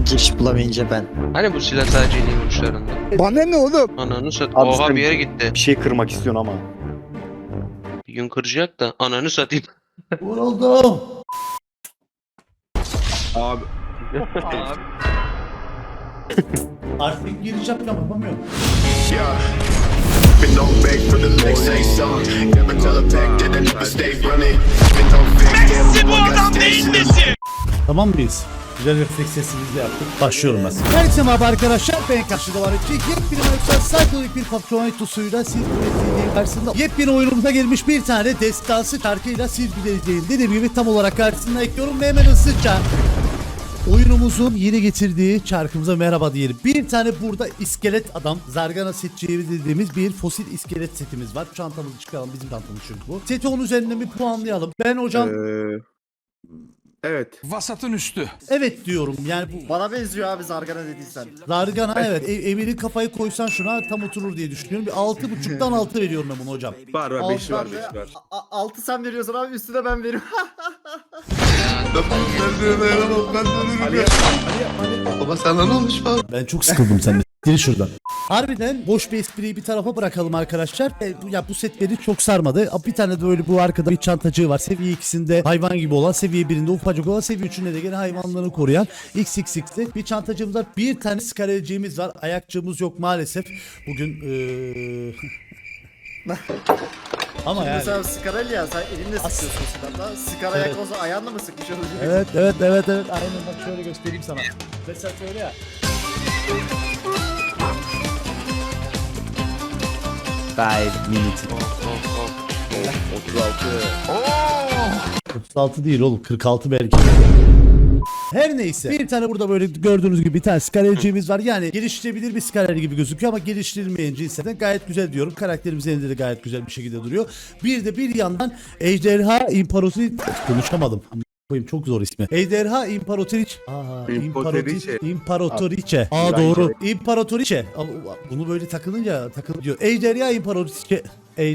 Giriş bulamayınca ben. Hani bu silah sadece yeni vuruşlarında? Bana ne oğlum? Ananı sat. Abi Oha sen- bir yere gitti. Bir şey kırmak istiyorsun ama. Bir gün kıracak da ananı satayım. Vuruldum. Abi. Artık giriş yapamıyorum. Been on back for the legs, say so. Never tell a pack that I never stay running. Been on fake, damn, boy, got stations. Tamam mıyız? Güzel refleks sesimizle yaptık. Başlıyorum ben. Herkese merhaba arkadaşlar. Ben karşıda var edecek. Yepyeni Minecraft Psycholik bir patron etusuyla siz ürettiğim karşısında yepyeni oyunumuza gelmiş bir tane destansı şarkıyla silgileyeceğim. Dediğim gibi tam olarak karşısına ekliyorum ve hemen hızlıca oyunumuzun yeni getirdiği çarkımıza merhaba diyelim. Bir tane burada iskelet adam, Zargana setçiği dediğimiz bir fosil iskelet setimiz var. Çantamızı çıkaralım, bizim çantamız çünkü bu. Seti onun üzerinden bir puanlayalım. Ben hocam Evet. Vasatın üstü. evet diyorum. Yani bu Bana benziyor abi Zargana dediysen. Zargana evet. Emir'in kafayı koysan şuna tam oturur diye düşünüyorum. Bir 6.5'tan 6 veriyorum ben bunu hocam. Var 5 var 5 var. 6 sen veriyorsun abi üstüne ben veriyorum. Baba sana ne olmuş falan? Ben çok sıkıldım senden. Gir şuradan. Harbiden boş bir espriyi bir tarafa bırakalım arkadaşlar. Ya bu set beni çok sarmadı. Bir tane de böyle bu arkada bir çantacığı var. Seviye 2'sinde hayvan gibi olan, seviye 1'inde ufacık olan, seviye 3'ünde de gene hayvanlarını koruyan XXX'li bir çantacığımız var. Bir tane skarelciğimiz var. Ayakçığımız yok maalesef. Bugün ama yani. Mesela Skarel ya sen elinle sıkıyorsun silahla. Skar ayak olsa ayağınla mı sıkmış olacak? Evet. Aynen bak şöyle göstereyim sana. Mesela şöyle ya. 5 minutes. 36 değil oğlum 46 belki. Her neyse. Bir tane burada böyle gördüğünüz gibi bir tane skarelciğimiz var. Yani geliştirebilir bir skarel gibi gözüküyor ama geliştirilmeyen cinsinden gayet güzel diyorum. Karakterimiz elinde de gayet güzel bir şekilde duruyor. Bir de bir yandan Ejderha İmparatoriçe konuşamadım. Koyayım çok zor ismi. Ejderha İmparatoriçe. İmparatoriçe. Aa doğru. İmparatoriçe. Bunu böyle takılınca takılıyor. Ejderha İmparatoriçe.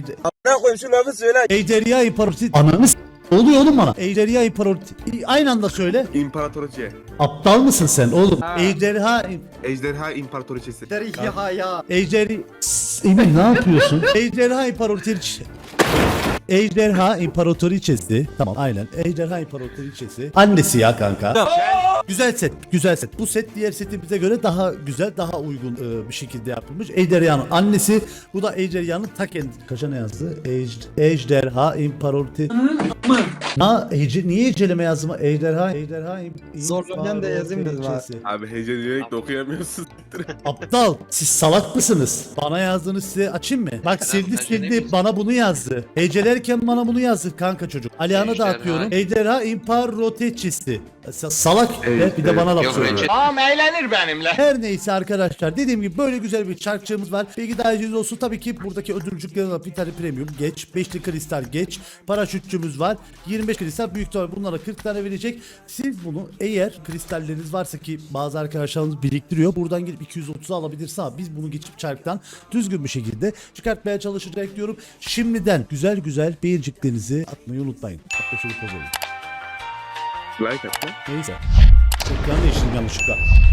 Ejderha İmparatoriçe. Ananı ne oluyor oğlum bana? Ejderha İmparatoriçe. Aynı anda söyle. İmparatoriçe. Aptal mısın sen oğlum? Ejderha Ejderha İmparatoriçesi. Ya ya. Ejderi Emin ne yapıyorsun? Ejderha İmparatoriçesi. Ejderha İmparatoriçesi. Tamam aynen. Ejderha İmparatoriçesi. Annesi ya kanka. Güzel set, güzel set. Bu set diğer setimize göre daha güzel, daha uygun bir şekilde yapılmış. Ejderhanın annesi, bu da Ejderhanın ta kendisi. Kaça ne yazdı? Ejderha İmparatoriçesi. Niye eceleme yazdım? Ejderha Zorlanyan da yazayım dedim abi. İmparatoriçesi. Abi hece diyerek de okuyamıyorsun. Aptal, siz salak mısınız? Bana yazdığını size açayım mı? Bak sildi bana bunu yazdı. Hecelerken bana bunu yazdı kanka çocuk. Alihan'a da Ejderha. atıyorum. Ejderha İmparatoriçesi. Salak bir de bana laf Yok söylüyor. Recep. Tamam eğlenir benimle. Her neyse arkadaşlar dediğim gibi böyle güzel bir çarkçığımız var. Bilgi dahiliniz olsun tabii ki buradaki ödülcüklerin var. Bir tane premium geç. 5'li kristal geç. Paraşütçümüz var. 25 kristal büyük ihtimalle bunlara 40 tane verecek. Siz bunu eğer kristalleriniz varsa ki bazı arkadaşlarımız biriktiriyor. Buradan gelip 230'u alabilirsin ama biz bunu geçip çarktan düzgün bir şekilde çıkartmaya çalışacak diyorum. Şimdiden güzel beğeniciklerinizi atmayı unutmayın. Hatta şöyle poz alayım. Like atma. Neyse. Ekran değiştirdim yanlışlıkla.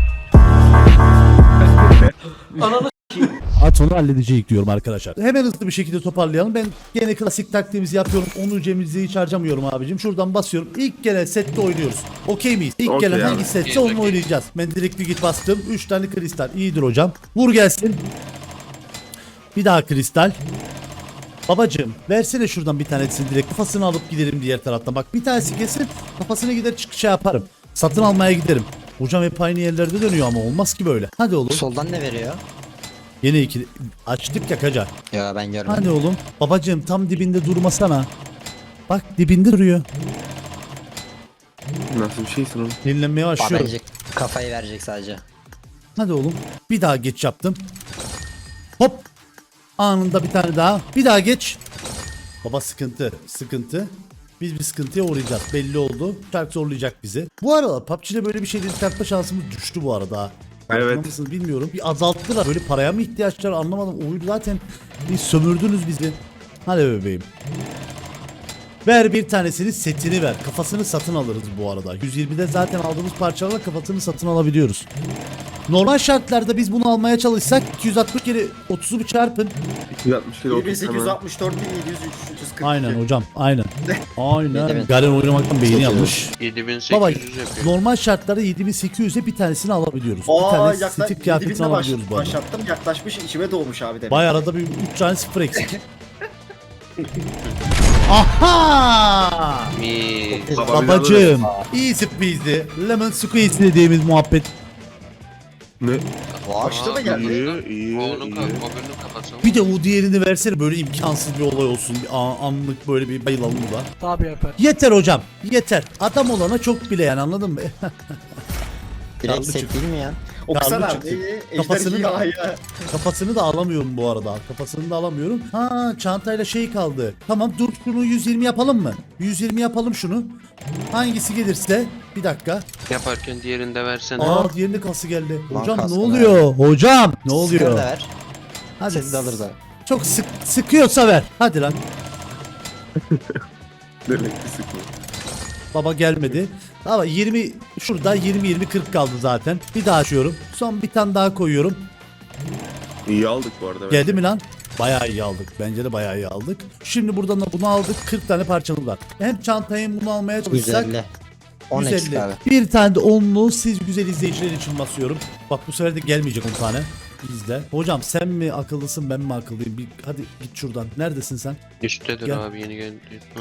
At onu halledeceğiz diyorum arkadaşlar. Hemen hızlı bir şekilde toparlayalım. Ben gene klasik taktiğimizi yapıyorum. Onu cemizi hiç harcamıyorum abicim. Şuradan basıyorum. İlk gelen sette oynuyoruz. Okey miyiz? İlk Okey gelen abi. hangi setse onu oynayacağız. Ben direkt bir git bastım. 3 tane kristal. İyidir hocam. Vur gelsin. Bir daha kristal. Babacığım versene şuradan bir tanesini direkt kafasını alıp giderim diğer taraftan. Bak bir tanesi kesin kafasına gider çıkışa yaparım. Satın almaya giderim. Hocam hep aynı yerlerde dönüyor ama olmaz ki böyle. Hadi oğlum. Soldan ne veriyor? Yine ikili. Açtık ya kaca. Ya ben görmedim. Hadi oğlum. Babacığım tam dibinde durmasana. Bak dibinde duruyor. Nasıl bir şeysin oğlum? Dinlenmeye başlıyorum. Bence kafayı verecek sadece. Hadi oğlum. Bir daha geç yaptım. Hop. Anında bir tane daha. Bir daha geç. Baba sıkıntı. Biz bir sıkıntıya uğrayacağız. Belli oldu. Çark zorlayacak bizi. Bu arada PUBG'de böyle bir şeyleri çıkartma şansımız düştü bu arada. Evet. Nasıl bilmiyorum. Bir azalttılar. Böyle paraya mı ihtiyaçlar anlamadım. Oyunu zaten bir sömürdünüz bizi. Hadi bebeğim. Ver bir tanesini, setini ver. Kafasını satın alırız bu arada. 120'de zaten aldığımız parçalarla kafasını satın alabiliyoruz. Normal şartlarda biz bunu almaya çalışsak 260 kere 30'u bir çarpın. 260 kilo 30 hemen. 1864 1700 340. Aynen hocam, aynen. Aynen. Evet. Garen oynamaktan beyni yanmış. 7800 Baba yapıyor. normal şartlarda 7800'e bir tanesini alabiliyoruz. Bir Aa tane yaklaşık Steve kıyafetini alabiliyoruz bu arada. başlattım. Yaklaşmış içime doğmuş abi demek. Vay arada bir 3 tane sıfır eksik. Aha! Mi. Baba bir Babacım. Easy peasy. Lemon squeeze dediğimiz muhabbet. Ne? Açtı mı geldi? İyi. Onun kafası. Bir de o diğerini versene, böyle imkansız bir olay olsun. Bir anlık böyle bir bayılalım da. Tabii yapar. Yeter hocam. Yeter. Adam olana çok bile yani, anladın mı? Direkt Karlı set çıktı. değil mi ya? Okusana Karlı abi. çıktı. Kafasını da- ya. Kafasını da alamıyorum bu arada. Kafasını da alamıyorum. Ha, çantayla şey kaldı. Tamam dur, şunu 120 yapalım mı? 120 yapalım şunu. Hangisi gelirse. Bir dakika. Yaparken diğerini de versene. Aa, diğerinde kası geldi. Lan Hocam ne kaskını oluyor? Hocam ne oluyor? Sigara da ver. Hadi Seti de alırız abi. çok sıkıyorsa ver. Hadi lan. Demek ki sıkma. Baba gelmedi. Ama 20 şurada 20 40 kaldı zaten. Bir daha açıyorum. Son bir tane daha koyuyorum. İyi aldık bu arada. Geldi mi lan? Bayağı iyi aldık. Bence de bayağı iyi aldık. Şimdi buradan da bunu aldık. 40 tane parçamız var. Hem çantayı hem bunu almaya çalışsak 150. 10 eksik 150. abi. Bir tane de 10'lu siz güzel izleyiciler için basıyorum. Bak bu sefer de gelmeyecek 10 tane. İzle. Hocam sen mi akıllısın, ben mi akıllıyım? Hadi git şuradan. Neredesin sen? Üsttedir Gel. abi, yeni geldi. Hı.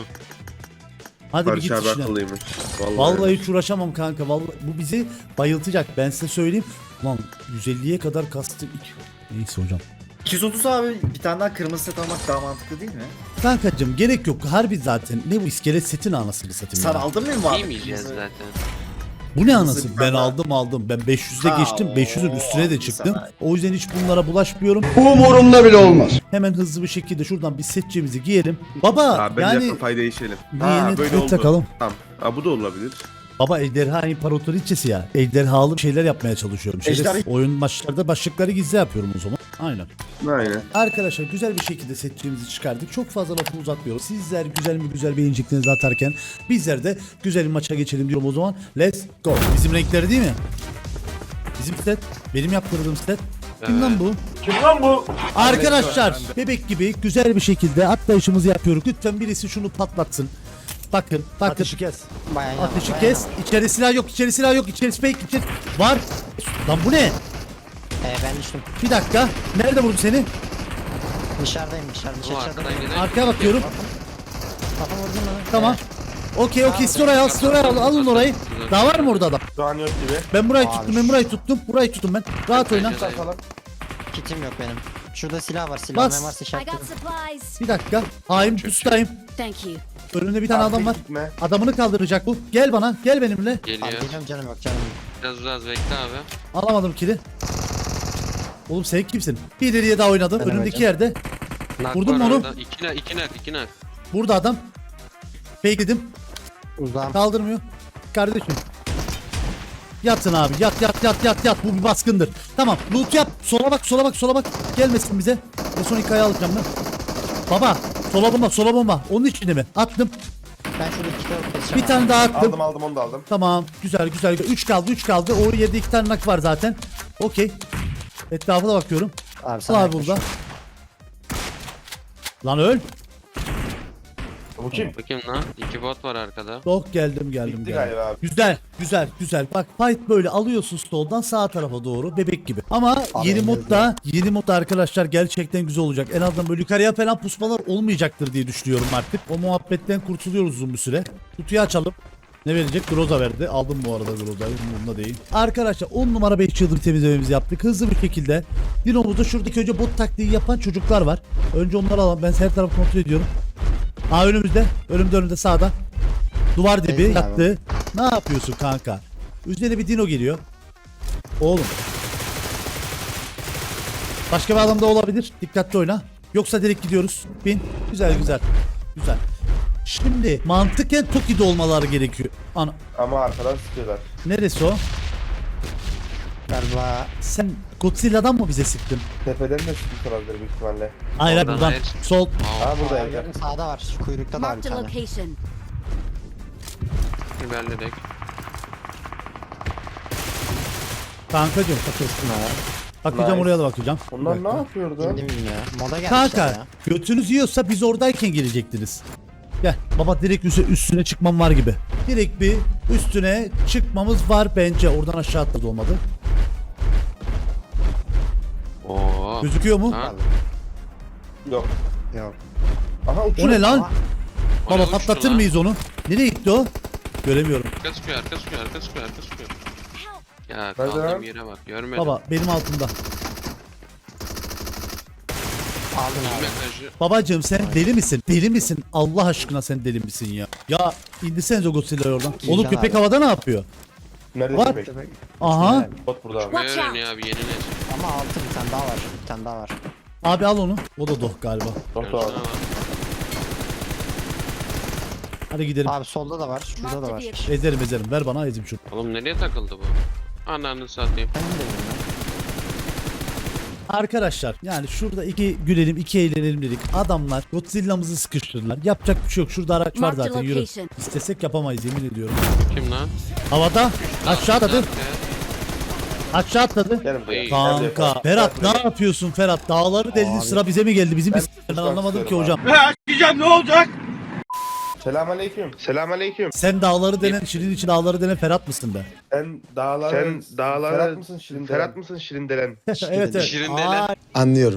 Hadi bir git Barış abi işine. akıllıymış. Vallahi hiç uğraşamam kanka. Vallahi bu bizi bayıltacak. Ben size söyleyeyim. Lan 150'ye kadar kastık. Neyse hocam. 230 abi bir tane daha kırmızı set almak daha mantıklı değil mi? Kankacım gerek yok. Harbi zaten. Ne bu iskelet setin anasını satayım Sen ya. aldın mı abi? Giymeyeceğiz zaten. Bu ne anası? Kırmızı Ben bir aldım. Ben 500'de Ha, geçtim. 500'ün üstüne de o, çıktım. sana. O yüzden hiç bunlara bulaşmıyorum. Umurumda bile olmaz. Hemen hızlı bir şekilde şuradan bir setçimizi giyelim. Baba Abi bence yani kafayı değişelim. yeni böyle set oldu. takalım. Tamam. Ha, bu da olabilir. Baba ejderha imparatoriçesi ya. Ejderhalı şeyler yapmaya çalışıyorum. Ejderha- Oyun maçlarda başlıkları gizli yapıyorum o zaman. Aynen. Aynen. Arkadaşlar güzel bir şekilde setçimizi çıkardık. Çok fazla lafı uzatmıyoruz. Sizler güzel mi güzel beğeniciklerinizi atarken bizler de güzel bir maça geçelim diyorum o zaman. Let's go. Bizim renkleri değil mi? Bizim set. Benim yaptırdığım set. Kim lan bu? Kim lan bu? Arkadaşlar bebek gibi güzel bir şekilde atlayışımızı yapıyoruz. Lütfen birisi şunu patlatsın. Bakın. Ateşi kes. Bayağı iyi Ateşi ama, kes. bayağı İçeri silah yok. İçeri silah yok. İçeri fake. İçeri... Var. Lan bu ne? ama. Ben düştüm. Bir dakika. Nerede vurdu seni? Dışarıdayım dışarıda. Bu Dışarıda. arkadan gelen. Arkaya bakıyorum. Kafam vurdun mu? Tamam. Okey. Siz oraya al. Siz oraya al. Alın orayı. Daha var mı orada adam? Şu an yok gibi. Ben burayı Abi. tuttum. Burayı tuttum ben. Rahat oyna. Kitim yok benim. Şurada silah var. Bas. Silah ben varsa I got işaretledim. supplies. Bir dakika. Haim pustayım. Thank you. Önünde bir tane adam var. Gitme. Adamını kaldıracak bu. Gel bana. Gel benimle. Abi Geliyor. geliyorum canım yok canım. yok. Biraz bekle abi. Alamadım kili. Oğlum sen kimsin? Bir ileriye daha oynadım. Benim Önümdeki hocam. yerde. Nak Vurdun var mu onu? orada. İki nak. Burada adam. Bekledim. Uzağım. Kaldırmıyor. Kardeşim. Yatsın abi. Yat. Bu bir baskındır. Tamam. Loot yap. Sola bak. Gelmesin bize. Ve son hikaye alacağım ben. Baba. Sola bomba. Onun içinde mi? Attım. Ben şurada iki tane keseceğim. Bir tane daha attım. Aldım onu da aldım. Tamam. Güzel. 3 kaldı. O yerde 2 tane nak var zaten. Okey. Etrafına bakıyorum. Abi sana Al abi yaklaş. burada. Lan öl. Bu kim? Bakayım lan. 2 bot var arkada. Yok geldim. Bitti galiba abi. Güzel. Bak fight böyle alıyorsun soldan sağ tarafa doğru bebek gibi. Ama Abi yeni modda arkadaşlar gerçekten güzel olacak. En azından böyle yukarıya falan pusmalar olmayacaktır diye düşünüyorum artık. O muhabbetten kurtuluyoruz uzun bir süre. Kutuyu açalım. Ne verecek? Groza verdi. Aldım bu arada Groza'yı. Bunda değil. Arkadaşlar 10 numara 5 yıldır temizlememizi yaptık. Hızlı bir şekilde. Dinomuzda şuradaki önce bot taktiği yapan çocuklar var. Önce onları alalım. Ben her tarafı kontrol ediyorum. Aa önümüzde. Önümde sağda. Duvar dibi Ezdim abi. yattı. Ne yapıyorsun kanka? Üzerine bir dino geliyor. Oğlum. Başka bir adam da olabilir. Dikkatli oyna. Yoksa direkt gidiyoruz. Bin. Güzel. Şimdi mantıken Toki'de olmaları gerekiyor. Ana. Ama arkadan sıkıyorlar. Neresi o? Ver Va Sen Godzilla'dan mı bize sıktın? Tepeden de sıkıntı olabilir büyük ihtimalle. Hayır Oradan buradan. hayır. Sol. Aa burada evde. gördüm, sağda var. Şu kuyrukta da var bir Marked a tane. location. İlerledik. Kankacığım. Kestim ha. Bakacağım Nice. oraya da bakacağım. Onlar Bir ne dakika. yapıyordu? Kim bilmiyor. Moda gelmişler Kanka ya. götünüz yiyorsa biz oradayken gelecektiniz. Gel baba direkt üstüne çıkmam var gibi. Direkt bir üstüne çıkmamız var bence. Oradan aşağı atladı olmadı. Oo. Gözüküyor mu? Ha? Yok. Yok. Aha O uçuyor. ne lan? Ama Baba Oraya patlatır uçtu lan. mıyız onu? Nereye gitti o? Göremiyorum. Arka sıkıyor, arka sıkıyor, arka sıkıyor, arka sıkıyor. Ya Nerede kaldığım lan? yere bak, görmedim. Baba benim altımda. aldın abi. Mesajı. Babacığım sen deli misin? Deli misin? Allah aşkına sen deli misin ya? Ya indirsenize Godzilla'yı oradan. İyi Oğlum can köpek abi. havada ne yapıyor? Nerede What? köpek? Aha. Bot burada abi. Watch out. Öğreniyor abi, yeni nesil. Ama altı bir tane daha var. Bir tane daha var. Abi al onu. O da doh galiba. Bot Şuna abi. bak. Hadi gidelim. Abi solda da var. Şurada da Marked a var. vehicle. Ezerim ezerim. Ver bana ezim şunu. Oğlum nereye takıldı bu? Ananı satayım. Ben de bilmiyorum. Arkadaşlar yani şurada iki gülelim iki eğlenelim dedik. Adamlar Godzilla'mızı sıkıştırdılar. Yapacak bir şey yok. Şurada araç var Marked zaten yürü. location. İstesek yapamayız yemin ediyorum. Kim lan? Havada aşağı atladı. Nerede? Aşağı atladı. Gelin buraya. Ay. Kanka Ferhat ne yapıyorsun Ferhat? Dağları deldi Abi. sıra bize mi geldi? Bizim Ben ben anlamadım ki istiyorum hocam. Selamünaleyküm. Selamünaleyküm. Sen dağları denen şirin için dağları denen Ferhat mısın be? Sen dağları Ferhat mısın Şirin Ferhat mısın Şirin delen? evet evet. Şirin denen. Ay, Anlıyorum.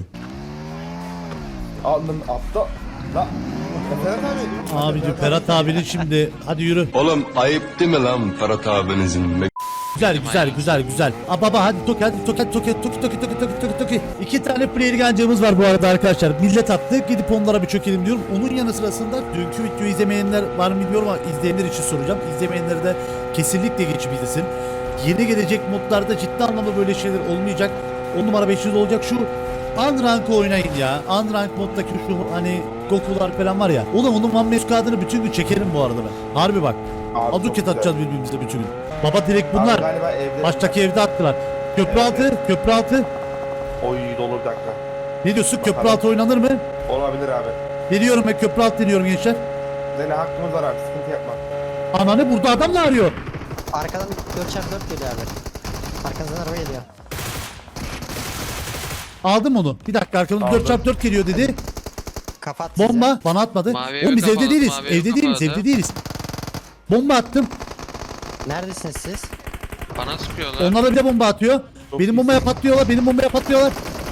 Alnın aptal. La. Ferhat abi. abicim Ferhat abinin şimdi hadi yürü. Oğlum ayıp değil mi lan Ferhat abinizin? Güzel güzel güzel güzel. Aa baba hadi toki hadi toki. İki tane player gancığımız var bu arada arkadaşlar. Millet attı gidip onlara bir çökelim diyorum. Onun yanı sırasında dünkü videoyu izlemeyenler var mı bilmiyorum ama izleyenler için soracağım. İzlemeyenler de kesinlikle geçip izlesin. Yeni gelecek modlarda ciddi anlamda böyle şeyler olmayacak. 10 numara 500 olacak şu Unrank oynayın ya. Unrank moddaki şu hani Goku'lar falan var ya. Oğlum onun One Man Squad'ını bütün gün çekerim bu arada ben. Harbi bak. Abi, çok Aduket güzel. atacağız birbirimize bütün gün. Baba direkt Abi bunlar. galiba evde. Baştaki evde attılar. Köprü altı, köprü altı. Oy dolu bir dakika. Ne diyorsun? Köprü Bakalım. altı oynanır mı? Olabilir abi. Deniyorum ben köprü altı deniyorum gençler. Senin hakkımız var abi sıkıntı yapma. Ananı burada adamla arıyor. Arkadan 4x4 geliyor abi. Arkanızdan araba geliyor. Aldım onu. Bir dakika arkamda Aldım. 4x4 geliyor dedi. Kapat sizi. Bomba bana atmadı. Mavi Oğlum biz evi evde kapalı, değiliz. mavi evi Evde değiliz, kapalı. evde değiliz. Bomba attım. Neredesiniz siz? Bana sıkıyorlar. Onlar da bir de bomba atıyor. Çok Benim iyisin. bombaya patlıyorlar, benim bombaya patlıyorlar.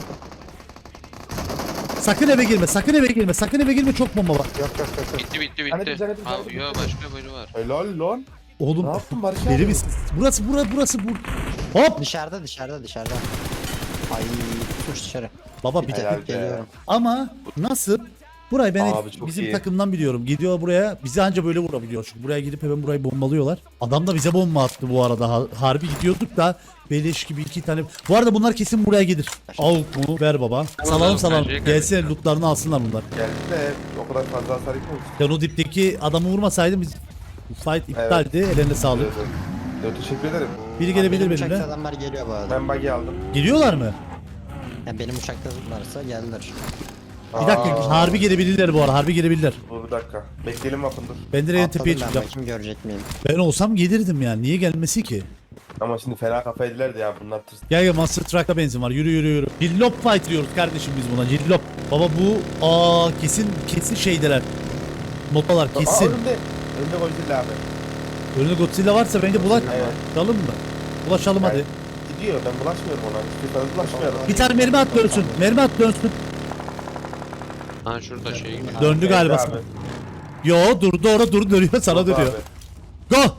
Sakın eve girme, sakın eve girme, sakın eve girme çok bomba var. Yok. Bitti Hani bitti. güzel, hadi Abi güzel, yo bitti. başka biri var. Helal lan. Oğlum Ne yaptın Barış deli abi? misin? Burası. Hop! Dışarıda. Ay tuş dışarı. Baba bir Helal be. Geliyorum. ama nasıl? Burayı ben Abi çok bizim iyi. takımdan biliyorum. Gidiyor buraya. Bizi anca böyle vurabiliyor. Çünkü buraya gidip hemen burayı bombalıyorlar. Adam da bize bomba attı bu arada. Harbi gidiyorduk da beleş gibi iki tane. Bu arada bunlar kesin buraya gelir. Avuk mu? Ver baba. Tamam, Salalım. bence Gelsene lootlarını alsınlar bunlar. Geldi de o kadar fazla hasar yıkmamış. Sen o dipteki adamı vurmasaydın biz bu fight iptaldi. Ellerine sağlık. Evet, teşekkür ederim. Biri gelebilir Benim benimle. uçakta adamlar geliyor bu arada. Ben bug'i aldım. Geliyorlar mı? Yani benim uçakta varsa geldiler. Bir dakika. Harbi gelebilirler bu arada. Harbi gelebilirler. Dur bir dakika. Bekleyelim bakın dur. Ben direkt en Atladım tepeye ben çıkacağım. bakayım görecek miyim? Ben olsam gelirdim yani. Niye gelmesi ki? Ama şimdi fena kafa yediler de ya bunlar tırs. Gel Monster Truck'ta benzin var. Yürü. Cillop fight diyoruz kardeşim biz buna. Cillop. Baba bu kesin şeydeler. Notalar Aa, kesin. önünde Godzilla abi. Önünde Godzilla varsa bence Evet. bulaşalım mı? Bulaşalım hadi. Gidiyor ben bulaşmıyorum ona. Hiçbir tane bulaşmıyorum. Bir tane mermi at dönsün. Mermi at dönsün. Ha şurada şey gibi. Döndü galiba. Abi. Yo durdu orada durdu dönüyor sana Oldu dönüyor. abi. Go.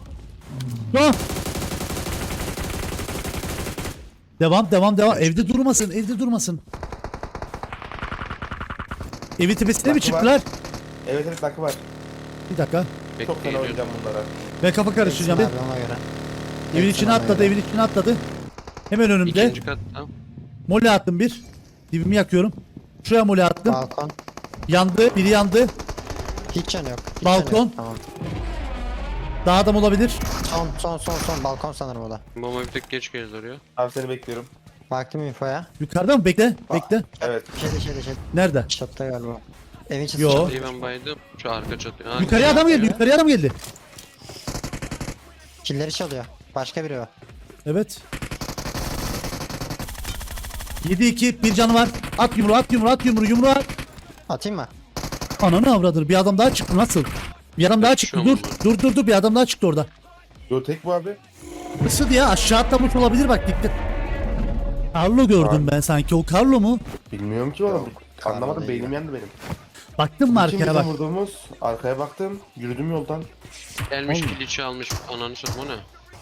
Devam. Evde durmasın. Evin tepesine mi Nakı var. çıktılar? Evet nakı var. Bir dakika. Çok fena Bekleyelim. oynayacağım bunlara. Ben kafa karıştıracağım. Abi ona göre. Evin içine atladı. Hemen önümde. İkinci katta. Mole attım bir. Dibimi yakıyorum. Şuraya mole attım. Balkon. Yandı. Biri yandı. Hiç can yok. Balkon. Tamam. Daha adam olabilir. Son balkon sanırım o da. Bomba bir tek geç geldi oraya. Abi seni bekliyorum. Baktım infoya. Yukarıda mı? Bekle. Bekle. Evet. Şeyde. Nerede? Çatıda galiba. Evin çatısı. Yo. İyi ben baydım. Şu arka çatıyor. Ha, Yukarıya adam geldi. Yukarıya adam geldi. Killeri çalıyor. Başka biri o. Evet. 7-2 bir canı var. At yumruğu at. Atayım mı? Ananı avradır. Bir adam daha çıktı nasıl? Bir adam daha çıktı. Dur bir adam daha çıktı orada. Yo tek bu abi. Nasıl ya? Aşağı atlamış olabilir bak dikkat. Carlo gördüm ben sanki. O Carlo mu? Bilmiyorum ki oğlum. Anlamadım değil beynim yandı benim. Baktın mı İkimiz arkaya de bak. vurduğumuz arkaya baktım. Yürüdüm yoldan. Gelmiş kiliçi almış. Ananı satma o ne?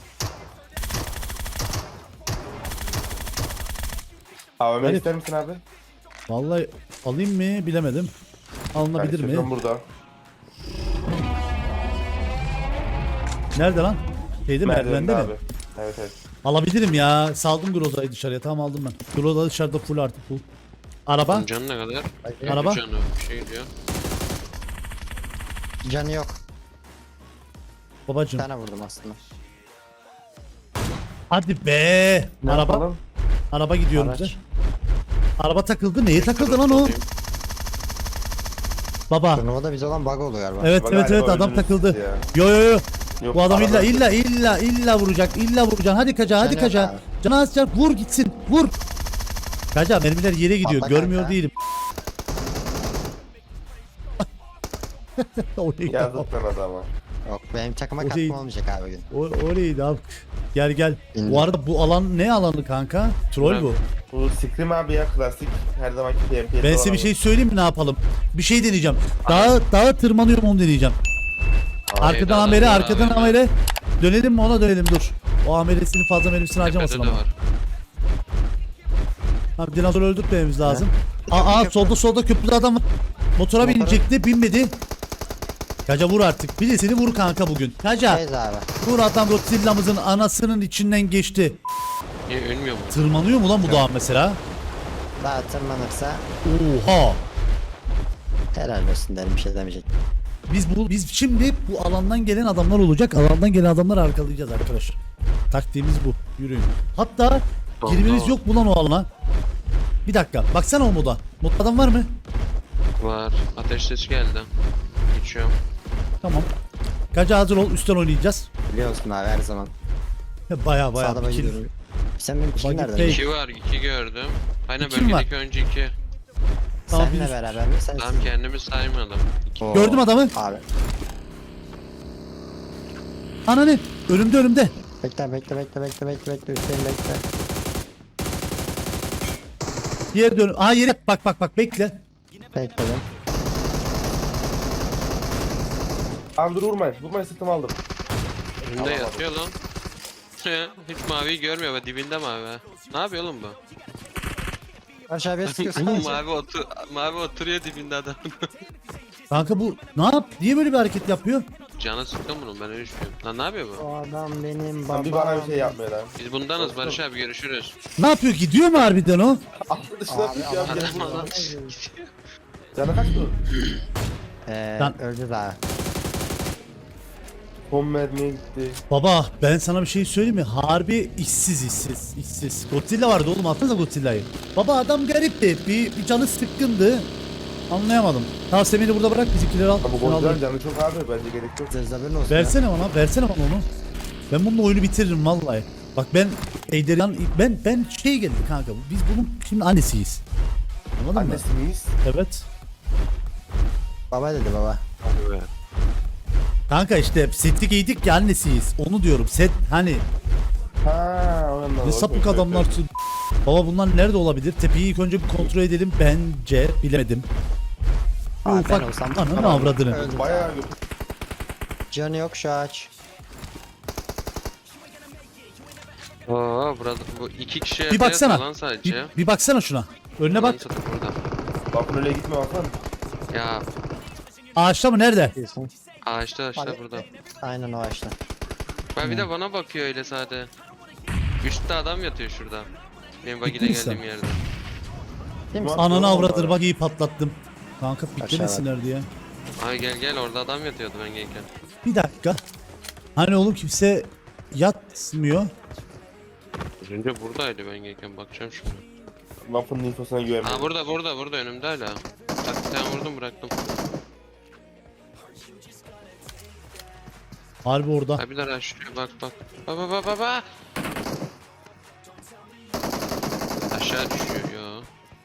AVM Garip. ister misin abi? Vallahi alayım mı bilemedim. Alınabilir mi? Ben burada. Nerede lan? Şeyde merdivende mi? abi. Evet evet. Alabilirim ya. Saldım Groza'yı dışarıya. Tamam aldım ben. Groza dışarıda full artık full. Araba. Bunun canı ne kadar? Araba. Canı bir şey diyor. Canı yok. Bir Babacım. tane vurdum aslında. Hadi be. Ne Araba. yapalım? Araba gidiyor Araç. bize. Araba takıldı. Neye takıldı lan o? Baba. Turnuvada bize olan bug oluyor galiba. Evet Baba evet galiba adam öldünüz takıldı. ya. Yo. Yok, Bu adam araba- illa vuracak. İlla vuracaksın. Hadi kaca hadi Canı kaca. yok abi. Canı az can. Vur gitsin. Vur. Kaca mermiler yere gidiyor. Patla Görmüyor kanka. değilim. O neydi? Yazık lan adama. Yok benim takıma O değil. katkım olmayacak abi bugün. O neydi abi? Gel. İndim. Bu arada bu alan ne alanı kanka? Troll bu. Bu Scream abi ya klasik. Her zamanki PMP'de Ben size bir şey söyleyeyim mi ne yapalım? Bir şey deneyeceğim. Dağa tırmanıyorum onu deneyeceğim. Arkadan adam amere, var arkadan abi. amere. Dönelim mi ona dönelim dur. O ameresini fazla mermisini harcamasın Tepede de ama. var. Abi dinozor öldürtmemiz lazım. Aa solda köprüde adam var. Motora binecekti binmedi. Kaca vur artık. Birisini vur kanka bugün. Kaca Teyze abi. vur adam Godzilla'mızın anasının içinden geçti. Niye ölmüyor mu? Tırmanıyor mu lan bu dağ mesela? Daha tırmanırsa Oha. helal olsun derim bir şey demeyecek. Biz şimdi bu alandan gelen adamlar olacak. Alandan gelen adamları arkalayacağız arkadaşlar. Taktiğimiz bu. Yürüyün. Hatta girmeniz yok mu lan o alana? Bir dakika. Baksana o moda. Modda adam var mı? Var. Ateş sesi geldi. Geçiyorum. Tamam. Kaca hazır ol. Üstten oynayacağız. Biliyorsun abi her zaman. Baya Sağda bir kill. gidiyorum. Sen benim Bagi kim nereden? Pay. 2 var. 2 gördüm. Aynen İki mi var? bölgedeki önce 2. Tamam, Seninle bir- beraber mi? Sen Tamam kendimi saymadım. Oo. Gördüm adamı. Abi. Ananı. Önümde. Bekle. Üstelik bekle. Diğer dön. Aa yere bak bekle. Bekledim. Abi dur vurmayın. Vurmayın sırtımı aldım. Önünde yatıyor lan. Hiç maviyi görmüyor be dibinde mavi. Ne yapıyor oğlum bu? Aşağıya sıkıyorsun. mavi oturuyor dibinde adam. Kanka bu ne yap? Niye böyle bir hareket yapıyor? Canı sıktım bunun ben öyle düşünüyorum. Lan ne yapıyor bu? O adam benim Lan babam. bir bana bir şey yapmıyor lan. Biz bundanız Barış abi görüşürüz. Ne yapıyor? Gidiyor mu harbiden o? Aklı dışına Abi, tut ya. adam- gel. Adam Canı kaç dur? Lan- Öldü daha. Son mermiye gitti. Baba ben sana bir şey söyleyeyim mi? Harbi işsiz. Godzilla vardı oğlum atsanıza Godzilla'yı. Baba adam garipti. Bir canı sıkkındı. Anlayamadım. Tamam sen beni burada bırak bizimkileri al. Ama bu Şunu al. golcüler canı çok abi. Bence gerek yok. Zerzaberin olsun Versene bana onu. Ben bununla oyunu bitiririm vallahi. Bak ben Eyderian ben şey geldi kanka. Biz bunun şimdi annesiyiz. Anladın mı? Annesi miyiz? Evet. Baba dedi baba. Kanka işte setlik giydik ya annesiyiz. Onu diyorum. Set hani Ha, o yandan. ne sapık adamlarsın. Baba bunlar nerede olabilir? Tepeyi ilk önce bir kontrol edelim. Bence bilemedim. Bir Aa, ben ufak olsam- ananı avradını. Öldü. Bayağı Canı yok şu ağaç. Oo burada bu iki kişi Bir evde baksana. yatıyor lan sadece. Bir baksana şuna. Önüne bak. Lan satayım burada. bakın öyle gitme bakın. Ya Ağaçta mı? Nerede? Diyorsun. ağaçta Hadi. burada. Aynen o ağaçta. Ben bir de bana bakıyor öyle sade. Üstte adam yatıyor şurada. Benim Ciddi bagiyle misin? geldiğim yerde. Değil mi? Bak- Ananı Doğru avradır vallahi. bak iyi patlattım. Kanka Aşağı bitlemesinler diye. Ay gel orada adam yatıyordu ben gelirken. Bir dakika. Hani oğlum kimse yatmıyor. Az önce buradaydı ben gelirken bakacağım şimdi. Lafın infosuna güvenmiyorum. Ha burada önümde hala. Bak bir tane vurdum bıraktım. Harbi orada. Ha bir de rushlıyor bak. Baba. Aşağı düşüyor ya.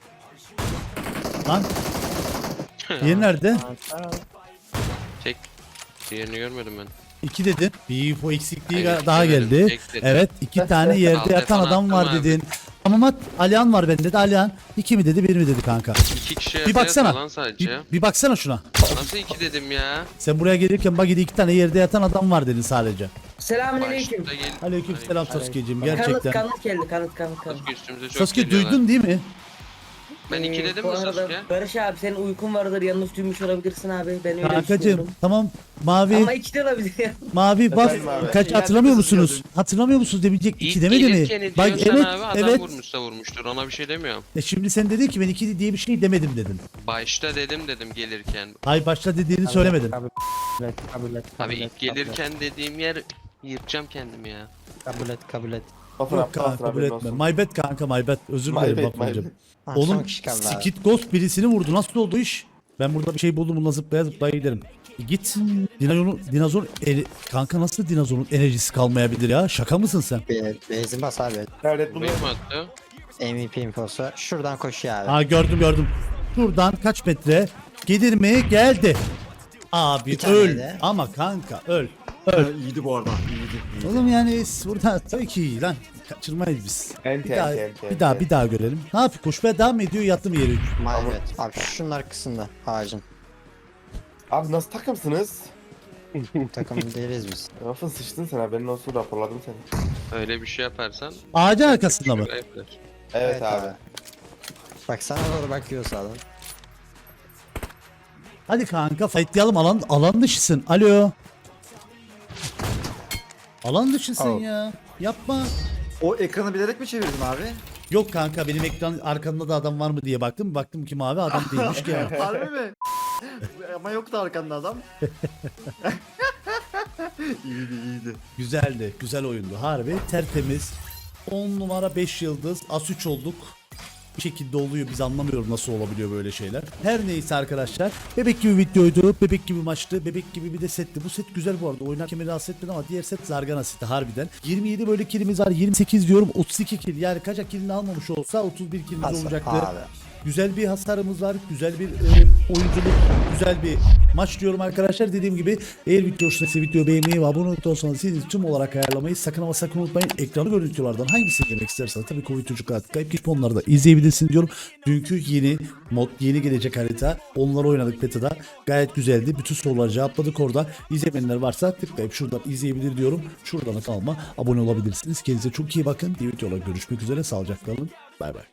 Lan. Diğeri nerede? Tek. Diğerini görmedim ben. 2 dedin. Bir info eksikliği Hayır, daha iki demedim, geldi. tek dedim. Evet 2 tane yerde Alt yatan F adam attım var abi. dedin. Ama Alihan var bende de Alihan. 2 mi dedi 1 mi dedi kanka. 2 kişi Bir yerde baksana. yatan lan sadece. Bir baksana şuna. Nasıl 2 dedim ya? Sen buraya gelirken bagide 2 tane yerde yatan adam var dedin sadece. Selamünaleyküm. Başta gel. Aleykümselam Sasuke'cim Kanıt gerçekten. geldi kanıt. Sasuke üstümüze çok Sasuke geliyorlar. duydun değil mi? Ben 2 dedim Bu mi arada Sasuke? Barış abi senin uykun vardır yanlış duymuş olabilirsin abi. Ben öyle Kankacım düşünüyorum. tamam mavi Ama 2 de olabilir ya. mavi bas Efendim abi? kaç hatırlamıyor musunuz? Hatırlamıyor musunuz demeyecek 2 demedi mi? Bak diyorsan evet abi adam evet. vurmuşsa vurmuştur ona bir şey demiyorum. Şimdi sen dedin ki ben 2 diye bir şey demedim dedin. Başta dedim gelirken. Hayır başta dediğini söylemedin. Kabul et. Abi ilk gelirken dediğim yer yırtacağım kendimi ya. Kabul et. Lafın Yok aptal kanka kabul haberin etme. olsun. My bad kanka my bad. Özür My dilerim bad, Bafracığım. my Ha, son Oğlum kişi kaldı abi. Skid Ghost birisini vurdu. Nasıl oldu iş? Ben burada bir şey buldum. Bununla zıplaya giderim. Git. Dinozor kanka nasıl dinozorun enerjisi kalmayabilir ya? Şaka mısın sen? Benzin bas abi. Red Bull'u Burayı mı attı? MVP infosu. Şuradan koşuyor abi. Ha gördüm. Şuradan kaç metre? Gelir mi? Geldi. Abi Bir tane öl. de. Ama kanka öl. İyiydi bu arada. İyiydi. Oğlum yani burada tabii ki iyi lan. Kaçırmayız biz. Ente, Bir daha görelim. Ne yapıyor? Koşmaya devam mı ediyor? Yattı mı yere? Maybet. Abi şunun arkasında ağacın. Abi nasıl takımsınız? Takım değiliz biz. Lafın sıçtın sen haberin olsun raporladım seni. Öyle bir şey yaparsan Ağacın arkasında mı? şuraya yapılır. Evet abi. Bak sana doğru bakıyor sağdan. Hadi kanka fightlayalım alan dışısın. Alo. Alan dışısın Oh. ya. Yapma. O ekranı bilerek mi çevirdin abi? Yok kanka benim ekran arkamda da adam var mı diye baktım. Baktım ki mavi adam değilmiş ki ya. Harbi mi? Ama yoktu arkanda adam. iyiydi. Güzeldi. Güzel oyundu. Harbi tertemiz. 10 numara 5 yıldız. As 3 olduk. Bir şekilde oluyor. Biz anlamıyoruz nasıl olabiliyor böyle şeyler. Her neyse arkadaşlar. Bebek gibi videoydu. Bebek gibi maçtı. Bebek gibi bir de setti. Bu set güzel bu arada. Oynarken beni rahatsız etmedi ama diğer set zargana seti harbiden. 27 böyle killimiz var. 28 diyorum. 32 kill. Yani kaçak killini almamış olsa 31 killimiz olacaktı. Abi. Güzel bir hasarımız var. Güzel bir oyunculuk. Güzel bir maç diyorum arkadaşlar. Dediğim gibi eğer video hoşuna videoyu beğenmeyi ve abone olursanız siz tüm olarak ayarlamayı sakın ama sakın unutmayın. Ekranı görüntülerden hangisini izlemek isterseniz tabii ki o çocuklar kayıp geçip onları da izleyebilirsiniz diyorum. Dünkü yeni mod, yeni gelecek harita. Onları oynadık beta'da. Gayet güzeldi. Bütün soruları cevapladık orada. İzlemeyenler varsa tıklayıp şuradan izleyebilir diyorum. Şuradan kanalıma abone olabilirsiniz. Kendinize çok iyi bakın. Diğer videolarda görüşmek üzere. Sağlıcakla kalın. Bay bay.